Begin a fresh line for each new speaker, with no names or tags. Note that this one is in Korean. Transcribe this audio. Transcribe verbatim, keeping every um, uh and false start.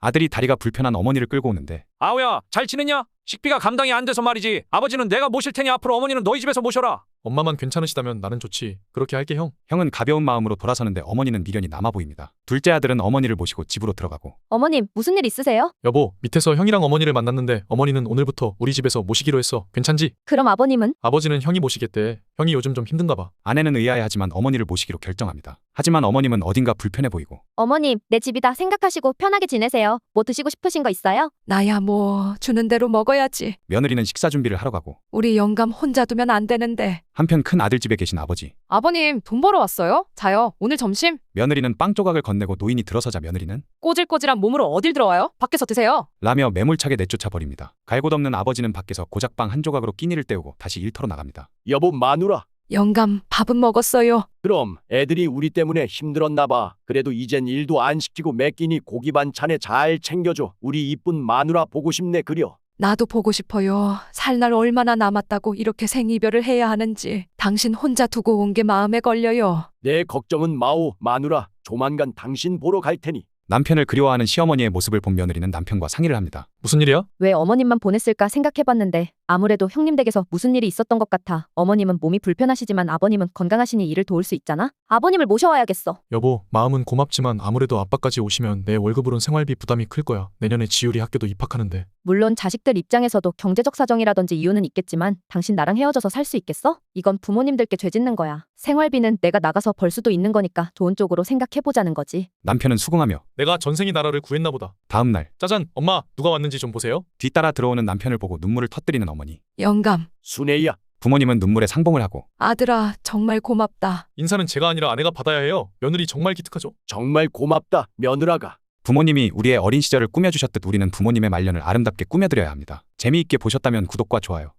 아들이 다리가 불편한 어머니를 끌고 오는데
아우야, 잘 지냈냐? 식비가 감당이 안 돼서 말이지. 아버지는 내가 모실 테니 앞으로 어머니는 너희 집에서 모셔라.
엄마만 괜찮으시다면 나는 좋지. 그렇게 할게 형.
형은 가벼운 마음으로 돌아서는데 어머니는 미련이 남아 보입니다. 둘째 아들은 어머니를 모시고 집으로 들어가고
어머님, 무슨 일 있으세요?
여보, 밑에서 형이랑 어머니를 만났는데 어머니는 오늘부터 우리 집에서 모시기로 했어. 괜찮지?
그럼 아버님은?
아버지는 형이 모시겠대. 형이 요즘 좀 힘든가 봐.
아내는 의아해하지만 어머니를 모시기로 결정합니다. 하지만 어머님은 어딘가 불편해 보이고
어머님, 내 집이다 생각하시고 편하게 지내세요. 뭐 드시고 싶으신 거 있어요?
나야 뭐 주는 대로 먹어야지.
며느리는 식사 준비를 하러 가고
우리 영감 혼자 두면 안 되는데.
한편 큰 아들 집에 계신 아버지
아버님, 돈 벌어 왔어요? 자요. 오늘 점심?
며느리는 빵 조각을 건네고 노인이 들어서자 며느리는
꼬질꼬질한 몸으로 어딜 들어와요? 밖에서 드세요.
라며 매몰차게 내쫓아 버립니다. 갈곳 없는 아버지는 밖에서 고작 빵 한 조각으로 끼니를 때우고 다시 일터로 나갑니다.
여보 마누라.
영감 밥은 먹었어요.
그럼 애들이 우리 때문에 힘들었나 봐. 그래도 이젠 일도 안 시키고 매 끼니 고기 반찬에 잘 챙겨줘. 우리 이쁜 마누라 보고 싶네 그려.
나도 보고 싶어요. 살 날 얼마나 남았다고 이렇게 생이별을 해야 하는지. 당신 혼자 두고 온 게 마음에 걸려요.
내 걱정은 마오 마누라. 조만간 당신 보러 갈 테니.
남편을 그리워하는 시어머니의 모습을 본 며느리는 남편과 상의를 합니다.
무슨 일이야?
왜 어머님만 보냈을까 생각해봤는데 아무래도 형님 댁에서 무슨 일이 있었던 것 같아. 어머님은 몸이 불편하시지만 아버님은 건강하시니 일을 도울 수 있잖아. 아버님을 모셔와야겠어.
여보, 마음은 고맙지만 아무래도 아빠까지 오시면 내 월급으론 생활비 부담이 클 거야. 내년에 지율이 학교도 입학하는데.
물론 자식들 입장에서도 경제적 사정이라든지 이유는 있겠지만 당신 나랑 헤어져서 살 수 있겠어? 이건 부모님들께 죄짓는 거야. 생활비는 내가 나가서 벌 수도 있는 거니까 좋은 쪽으로 생각해보자는 거지.
남편은 수긍하며
내가 전생이 나라를 구했나 보다.
다음 날
짜잔, 엄마, 누가 왔는지 좀 보세요.
뒤따라 들어오는 남편을 보고 눈물을 터뜨리는 어머니.
영감,
순애야.
부모님은 눈물에 상봉을 하고
아들아 정말 고맙다.
인사는 제가 아니라 아내가 받아야 해요. 며느리 정말 기특하죠.
정말 고맙다 며느라가.
부모님이 우리의 어린 시절을 꾸며주셨듯 우리는 부모님의 말년을 아름답게 꾸며드려야 합니다. 재미있게 보셨다면 구독과 좋아요.